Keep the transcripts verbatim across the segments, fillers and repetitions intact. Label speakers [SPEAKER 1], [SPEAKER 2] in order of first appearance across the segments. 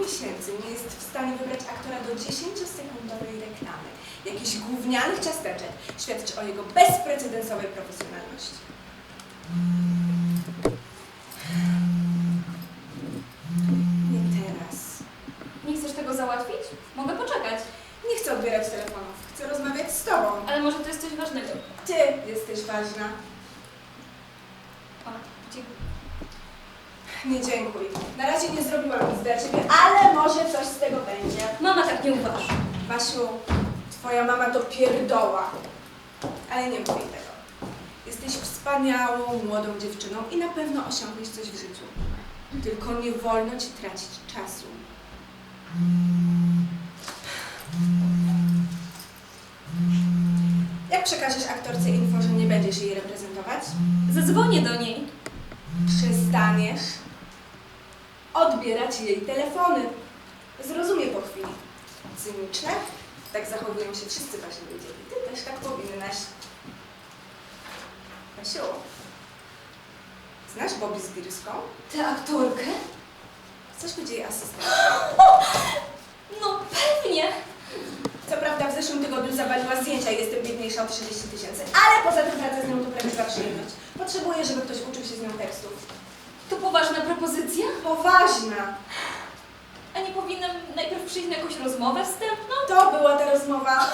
[SPEAKER 1] tysięcy nie jest w stanie wybrać aktora do dziesięciosekundowej reklamy jakichś gównianych ciasteczek, świadczy o jego bezprecedensowej profesjonalności. Nie teraz.
[SPEAKER 2] Nie chcesz tego załatwić? Mogę poczekać.
[SPEAKER 1] Nie chcę odbierać telefonów. Chcę rozmawiać z tobą.
[SPEAKER 2] Ale może to jest coś ważnego.
[SPEAKER 1] Ty jesteś ważna.
[SPEAKER 2] O, dziękuję.
[SPEAKER 1] Nie dziękuj. Na razie nie zrobiłam nic dla ciebie, ale może coś z tego będzie.
[SPEAKER 2] Mama tak nie uważa.
[SPEAKER 1] Basiu, twoja mama to pierdoła. Ale nie mówię tego. Jesteś wspaniałą, młodą dziewczyną i na pewno osiągniesz coś w życiu. Tylko nie wolno ci tracić czasu. Jak przekażesz aktorce info, że nie będziesz jej reprezentować?
[SPEAKER 2] Zadzwonię do niej.
[SPEAKER 1] Przestaniesz odbierać jej telefony. Zrozumie po chwili. Cyniczne? Tak zachowują się wszyscy wasi ludzie. I ty też tak powinnaś. Basiu, znasz Bobby Zbirską?
[SPEAKER 2] Tę aktorkę?
[SPEAKER 1] Chcesz być jej asystentką?
[SPEAKER 2] No pewnie.
[SPEAKER 1] Co prawda w zeszłym tygodniu zawaliła zdjęcia i jestem biedniejsza o trzydzieści tysięcy, ale poza tym pracę z nią to prawdziwa przyjemność. Potrzebuję, żeby ktoś uczył się z nią tekstów.
[SPEAKER 2] To poważna propozycja?
[SPEAKER 1] Poważna!
[SPEAKER 2] A nie powinnam najpierw przyjść na jakąś rozmowę wstępną?
[SPEAKER 1] To była ta rozmowa.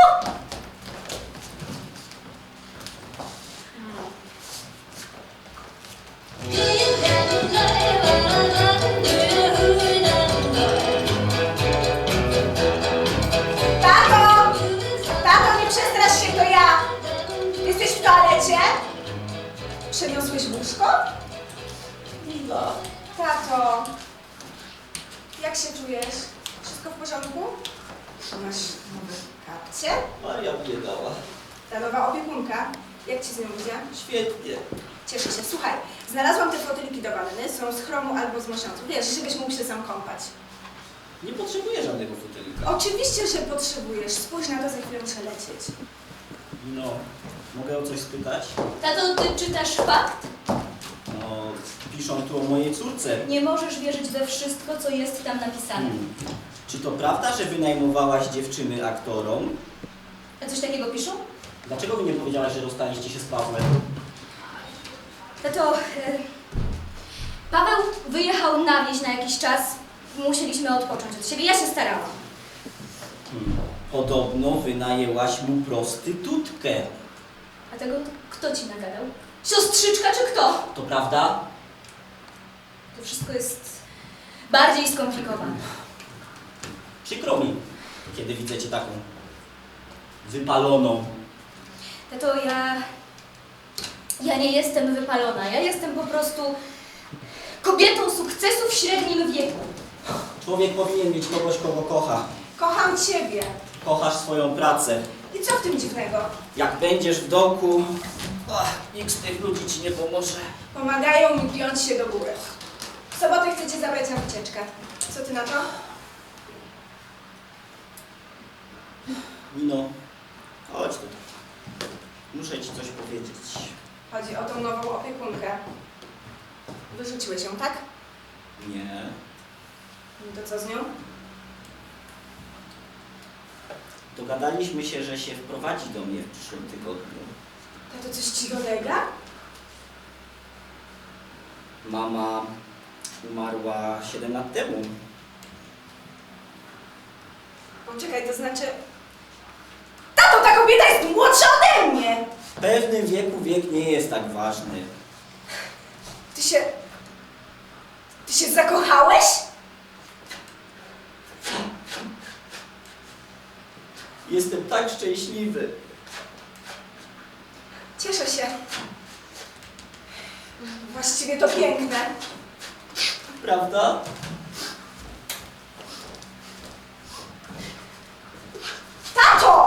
[SPEAKER 1] Tato! Tato, nie przestrasz się, to ja! Jesteś w toalecie? Przeniosłeś łóżko?
[SPEAKER 3] Nina,
[SPEAKER 1] Tato, jak się czujesz? Wszystko w porządku? Masz nowe kapcie?
[SPEAKER 3] Maria mnie dała.
[SPEAKER 1] Ta nowa opiekunka, jak ci z nią idzie?
[SPEAKER 3] Świetnie.
[SPEAKER 1] Cieszę się. Słuchaj, znalazłam te fotyliki do wanny, są z chromu albo z mosiądzu. Wiesz, żebyś mógł się sam kąpać.
[SPEAKER 3] Nie potrzebuję żadnego fotelika.
[SPEAKER 1] Oczywiście, że potrzebujesz. Spójrz na to, za chwilę muszę lecieć.
[SPEAKER 3] No, mogę o coś spytać?
[SPEAKER 2] Tato, ty czytasz fakt?
[SPEAKER 3] No, piszą tu o mojej córce.
[SPEAKER 2] Nie możesz wierzyć we wszystko, co jest tam napisane.
[SPEAKER 3] Hmm. Czy to prawda, że wynajmowałaś dziewczyny aktorom?
[SPEAKER 2] A coś takiego piszą?
[SPEAKER 3] Dlaczego mi nie powiedziałaś, że rozstaliście się z Pawłem?
[SPEAKER 2] Tato, e, Paweł wyjechał na wieś na jakiś czas. Musieliśmy odpocząć od siebie. Ja się starałam.
[SPEAKER 3] Hmm. Podobno wynajęłaś mu prostytutkę.
[SPEAKER 2] A tego kto ci nagadał? Siostrzyczka czy kto?
[SPEAKER 3] To prawda?
[SPEAKER 2] To wszystko jest bardziej skomplikowane.
[SPEAKER 3] Przykro mi, kiedy widzę cię taką wypaloną.
[SPEAKER 2] Tato, ja... Ja nie jestem wypalona. Ja jestem po prostu kobietą sukcesu w średnim wieku.
[SPEAKER 3] Człowiek powinien mieć kogoś, kogo kocha.
[SPEAKER 1] Kocham ciebie.
[SPEAKER 3] Kochasz swoją pracę.
[SPEAKER 1] I co w tym dziwnego?
[SPEAKER 3] Jak będziesz w dołku, ach, nikt z tych ludzi ci nie pomoże.
[SPEAKER 1] Pomagają mi piąć się do góry. W sobotę chcę cię zabrać na wycieczkę. Co ty na to?
[SPEAKER 3] Nino, chodź tutaj. Muszę ci coś powiedzieć.
[SPEAKER 1] Chodzi o tą nową opiekunkę. Wyrzuciłeś ją, tak?
[SPEAKER 3] Nie.
[SPEAKER 1] No to co z nią?
[SPEAKER 3] Dogadaliśmy się, że się wprowadzi do mnie w przyszłym tygodniu.
[SPEAKER 1] Tato, coś ci dolega?
[SPEAKER 3] Mama umarła siedem lat temu.
[SPEAKER 1] Poczekaj, to znaczy... Tato, ta kobieta jest młodsza ode mnie!
[SPEAKER 3] W pewnym wieku wiek nie jest tak ważny.
[SPEAKER 1] Ty się... Ty się zakochałeś?
[SPEAKER 3] Jestem tak szczęśliwy.
[SPEAKER 1] Cieszę się. Właściwie to piękne.
[SPEAKER 3] Prawda?
[SPEAKER 1] Tato!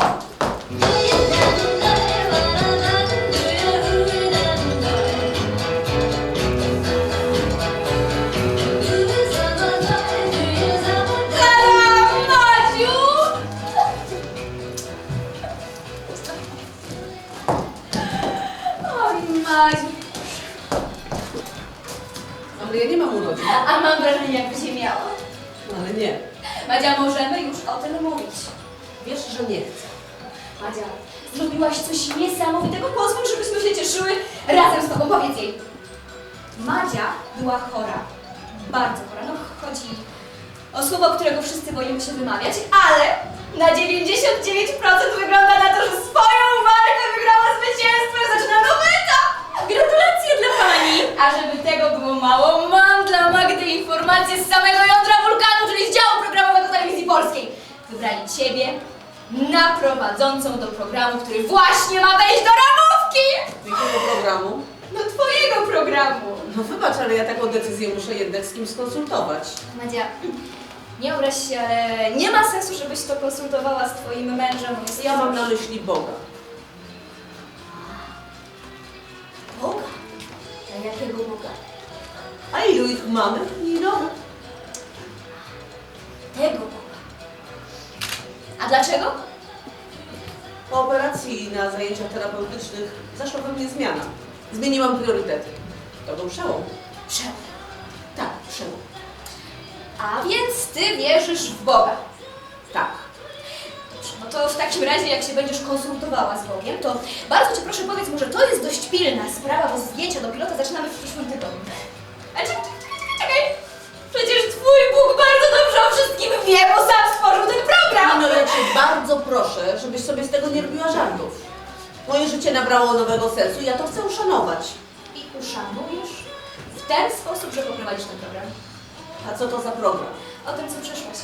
[SPEAKER 4] Ale ja nie mam urodzin.
[SPEAKER 2] A mam wrażenie, jakby się miała.
[SPEAKER 4] No, ale nie.
[SPEAKER 2] Madzia, możemy już o tym mówić.
[SPEAKER 4] Wiesz, że nie chcę.
[SPEAKER 2] Madzia, zrobiłaś coś niesamowitego. Pozwól, żebyśmy się cieszyły razem z tobą. Powiedz jej. Madzia była chora. Bardzo chora. No chodzi o słowo, którego wszyscy boimy się wymawiać, ale na dziewięćdziesiąt dziewięć procent wygląda na to, że swoją walkę wygrała zwycięstwem. Zaczyna nowy etap. Gratulacje dla pani. A żeby tego było mało, mam dla Magdy informację z samego jądra wulkanu, czyli z działu programowego Telewizji Polskiej. Wybrali ciebie na prowadzącą do programu, który właśnie ma wejść do ramówki!
[SPEAKER 4] Jakiego programu?
[SPEAKER 2] No twojego programu!
[SPEAKER 4] No wybacz, ale ja taką decyzję muszę jednak z kimś skonsultować.
[SPEAKER 2] Madzia, nie obraź się, ale nie ma sensu, żebyś to konsultowała z twoim mężem. Jest
[SPEAKER 4] Ja mam na myśli Boga.
[SPEAKER 2] Boga? A jakiego Boga?
[SPEAKER 4] A ilu ich mamy? Ilo?
[SPEAKER 2] Tego Boga. A dlaczego?
[SPEAKER 4] Po operacji na zajęciach terapeutycznych zaszła we mnie zmiana. Zmieniłam priorytety. To był przełom.
[SPEAKER 2] Przełom.
[SPEAKER 4] Tak, przełom.
[SPEAKER 2] A więc ty wierzysz w Boga.
[SPEAKER 4] Tak.
[SPEAKER 2] Dobrze, no to w takim razie, jak się będziesz konsultowała z Bogiem, to bardzo cię proszę powiedz mu, że to jest dość pilna sprawa, bo zdjęcia do pilota zaczynamy w przyszłym tygodniu. A czekaj, czekaj, czekaj! Przecież twój Bóg bardzo dobrze o wszystkim wie, bo sam stworzył ten program!
[SPEAKER 4] No ja cię bardzo proszę, żebyś sobie z tego nie robiła żartów. Moje życie nabrało nowego sensu i ja to chcę uszanować.
[SPEAKER 2] I uszanujesz w ten sposób, że poprowadzisz ten program.
[SPEAKER 4] A co to za program?
[SPEAKER 2] O tym, co przeszłaś.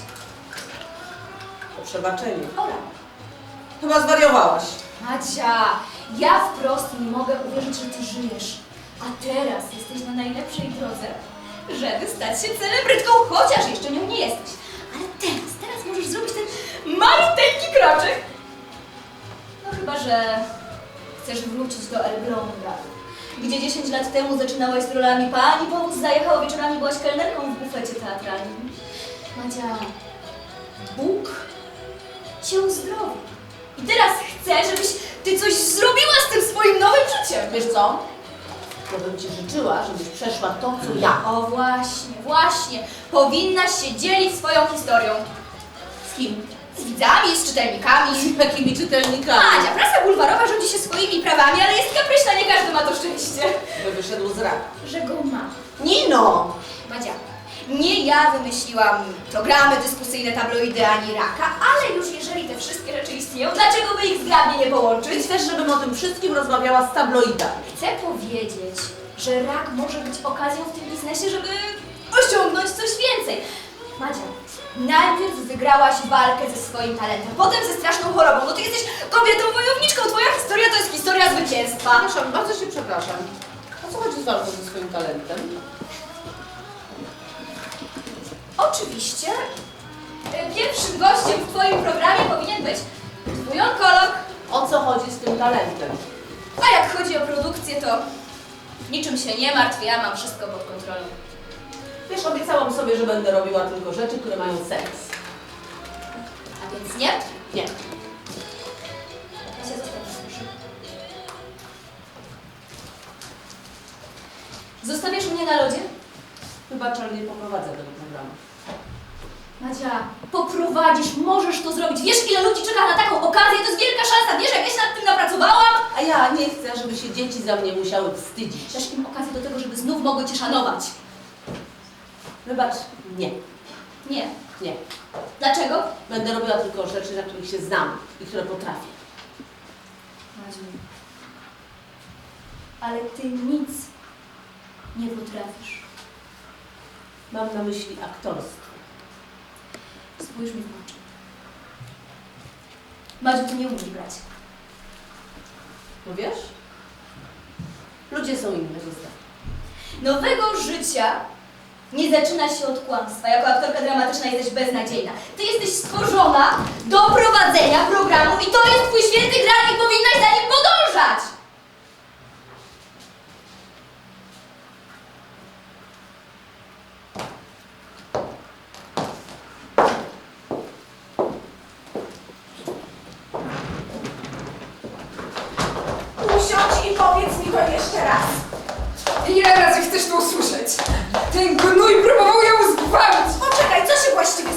[SPEAKER 4] O przebaczeniu.
[SPEAKER 2] Ola.
[SPEAKER 4] Chyba zwariowałaś.
[SPEAKER 2] Madzia, ja wprost nie mogę uwierzyć, że ty żyjesz. A teraz jesteś na najlepszej drodze, żeby stać się celebrytką, chociaż jeszcze nią nie jesteś. Ale teraz, teraz możesz zrobić ten maluteńki kroczek. No chyba, że chcesz wrócić do Elbląga, gdzie dziesięć lat temu zaczynałaś z rolami pani powóz zajechał, wieczorami byłaś kelnerką w bufecie teatralnym. Madzia, Bóg cię uzdrowi. I teraz chcę, żebyś ty coś zrobiła z tym swoim nowym życiem.
[SPEAKER 4] Wiesz co? To bym ci życzyła, żebyś przeszła to, co ja.
[SPEAKER 2] O właśnie, właśnie. Powinnaś się dzielić swoją historią.
[SPEAKER 4] Z kim?
[SPEAKER 2] Z widzami, z czytelnikami.
[SPEAKER 4] Z jakimi czytelnikami?
[SPEAKER 2] Madzia, prasa bulwarowa rządzi się swoimi prawami, ale jest kapryśna, nie każdy ma to szczęście.
[SPEAKER 4] By wyszedł z raka.
[SPEAKER 2] Że go ma.
[SPEAKER 4] Nino!
[SPEAKER 2] Madzia, nie ja wymyśliłam programy dyskusyjne, tabloidy ani raka, ale już jeżeli te wszystkie rzeczy istnieją, dlaczego by ich zgrabnie nie połączyć?
[SPEAKER 4] Czy chcesz, żebym o tym wszystkim rozmawiała z tabloidami?
[SPEAKER 2] Chcę powiedzieć, że rak może być okazją w tym biznesie, żeby osiągnąć coś więcej. Madzia, najpierw wygrałaś walkę ze swoim talentem, potem ze straszną chorobą. No ty jesteś kobietą wojowniczką, twoja historia to jest historia zwycięstwa.
[SPEAKER 4] Przepraszam, bardzo się przepraszam. O co chodzi z walką ze swoim talentem?
[SPEAKER 2] Oczywiście, y, pierwszym gościem w twoim programie powinien być twój onkolog.
[SPEAKER 4] O co chodzi z tym talentem?
[SPEAKER 2] A jak chodzi o produkcję, to niczym się nie martw, ja mam wszystko pod kontrolą.
[SPEAKER 4] Wiesz, obiecałam sobie, że będę robiła tylko rzeczy, które mają sens.
[SPEAKER 2] A więc nie?
[SPEAKER 4] Nie.
[SPEAKER 2] Ja się zostawię, proszę. Zostawiasz mnie na lodzie?
[SPEAKER 4] Wybacz, ale nie poprowadzę tego programu.
[SPEAKER 2] Madzia, poprowadzisz, możesz to zrobić. Wiesz, ile ludzi czeka na taką okazję? To jest wielka szansa. Wiesz, jak ja się nad tym napracowałam?
[SPEAKER 4] A ja nie chcę, żeby się dzieci za mnie musiały wstydzić.
[SPEAKER 2] Dasz im okazję do tego, żeby znów mogły cię szanować.
[SPEAKER 4] Wybacz, nie.
[SPEAKER 2] Nie.
[SPEAKER 4] Nie.
[SPEAKER 2] Dlaczego?
[SPEAKER 4] Będę robiła tylko rzeczy, na których się znam i które potrafię.
[SPEAKER 2] Madziu, ale ty nic nie potrafisz.
[SPEAKER 4] Mam na myśli aktorstwo.
[SPEAKER 2] Spójrz mi w oczy. Madziu, ty nie umiesz grać.
[SPEAKER 4] No wiesz? Ludzie są innego zdania.
[SPEAKER 2] Nowego życia nie zaczyna się od kłamstwa. Jako aktorka dramatyczna jesteś beznadziejna. Ty jesteś stworzona do prowadzenia programu i to jest twój święty graal i powinnaś za nim podążać!
[SPEAKER 1] Usiądź i powiedz mi to jeszcze raz. Ile razy chcesz to usłyszeć? Ten gnój próbował ją zgwałcić. Poczekaj, co się właściwie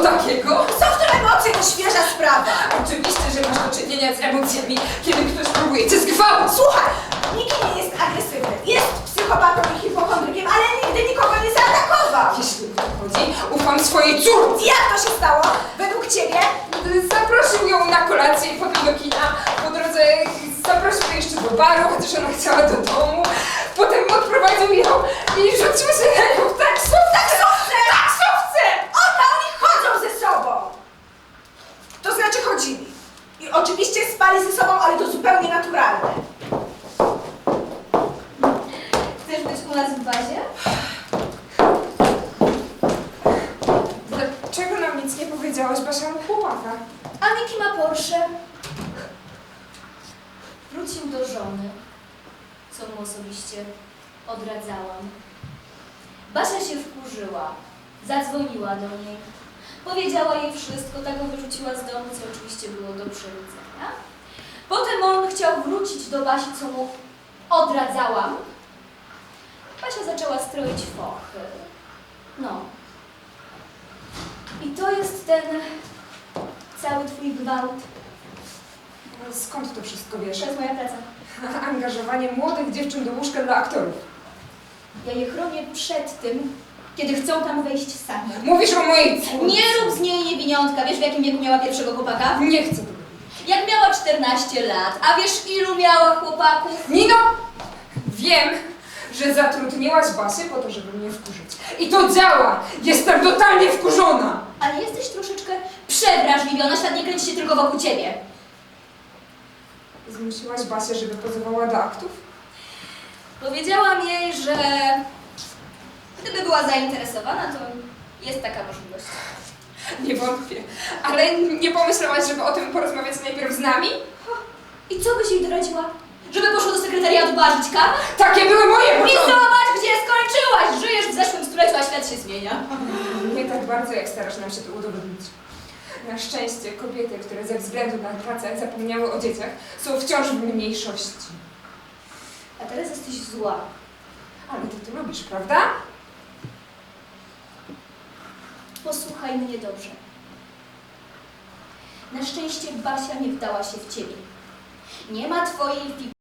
[SPEAKER 5] takiego?
[SPEAKER 1] Co w tym emocje, to świeża sprawa.
[SPEAKER 5] Oczywiście, że masz do czynienia z emocjami, kiedy ktoś próbuje cię zgwałcić.
[SPEAKER 1] Słuchaj, nikt nie jest agresywny. Jest psychopatą i hipochondrykiem, ale nigdy nikogo nie zaatakował.
[SPEAKER 5] Jeśli o to chodzi, ufam swojej córce.
[SPEAKER 1] Jak to się stało? Według ciebie?
[SPEAKER 5] Zaprosił ją na kolację i potem do kina. Po drodze zaprosił ją jeszcze do baru, chociaż ona chciała do domu. Potem odprowadził ją i rzucił się na nią w taksówce.
[SPEAKER 1] Taksówce!
[SPEAKER 5] Taksówce!
[SPEAKER 1] O to oni chodzą ze sobą! To znaczy chodzili. I oczywiście spali ze sobą, ale to zupełnie naturalne.
[SPEAKER 2] Chcesz być u nas w bazie?
[SPEAKER 5] Dlaczego nam nic nie powiedziałaś, Basia, o chłopaka?
[SPEAKER 2] A Miki ma Porsche. Wrócił do żony, co mu osobiście odradzałam. Basia się wkurzyła, zadzwoniła do niej, powiedziała jej wszystko, tak go wyrzuciła z domu, co oczywiście było do przewidzenia. Potem on chciał wrócić do Basi, co mu odradzałam. Basia zaczęła stroić fochy. No. I to jest ten cały twój gwałt.
[SPEAKER 5] Skąd to wszystko wiesz?
[SPEAKER 2] To jest moja praca.
[SPEAKER 5] Angażowanie młodych dziewczyn do łóżka dla aktorów.
[SPEAKER 2] Ja je chronię przed tym, kiedy chcą tam wejść sami.
[SPEAKER 5] Mówisz o mojej córce.
[SPEAKER 2] Nie rób z niej niewiniątka. Wiesz, w jakim wieku miała pierwszego chłopaka?
[SPEAKER 5] Nie chcę tego wiedzieć.
[SPEAKER 2] Jak miała czternaście lat. A wiesz, ilu miała chłopaków?
[SPEAKER 5] Nino! Wiem, że zatrudniłaś Basię po to, żeby mnie wkurzyć. I to działa! Jestem totalnie wkurzona!
[SPEAKER 2] Ale jesteś troszeczkę przewrażliwiona. Świat nie kręci się tylko wokół ciebie.
[SPEAKER 5] Zmusiłaś Basię, żeby pozowała do aktów?
[SPEAKER 2] Powiedziałam jej, że gdyby była zainteresowana, to jest taka możliwość.
[SPEAKER 5] Nie wątpię. Ale nie pomyślałaś, żeby o tym porozmawiać najpierw z nami?
[SPEAKER 2] I co byś jej doradziła? Żeby poszła do sekretariatu barzyć kawę?
[SPEAKER 5] Takie były moje
[SPEAKER 2] I
[SPEAKER 5] początki!
[SPEAKER 2] zobacz, gdzie skończyłaś! Żyjesz w zeszłym stuleciu, a świat się zmienia.
[SPEAKER 5] Nie tak bardzo, jak starasz nam się to udowodnić. Na szczęście kobiety, które ze względu na pracę zapomniały o dzieciach, są wciąż w mniejszości.
[SPEAKER 2] A teraz jesteś zła.
[SPEAKER 5] Ale ty to lubisz, prawda?
[SPEAKER 2] Posłuchaj mnie dobrze. Na szczęście Basia nie wdała się w ciebie. Nie ma twojej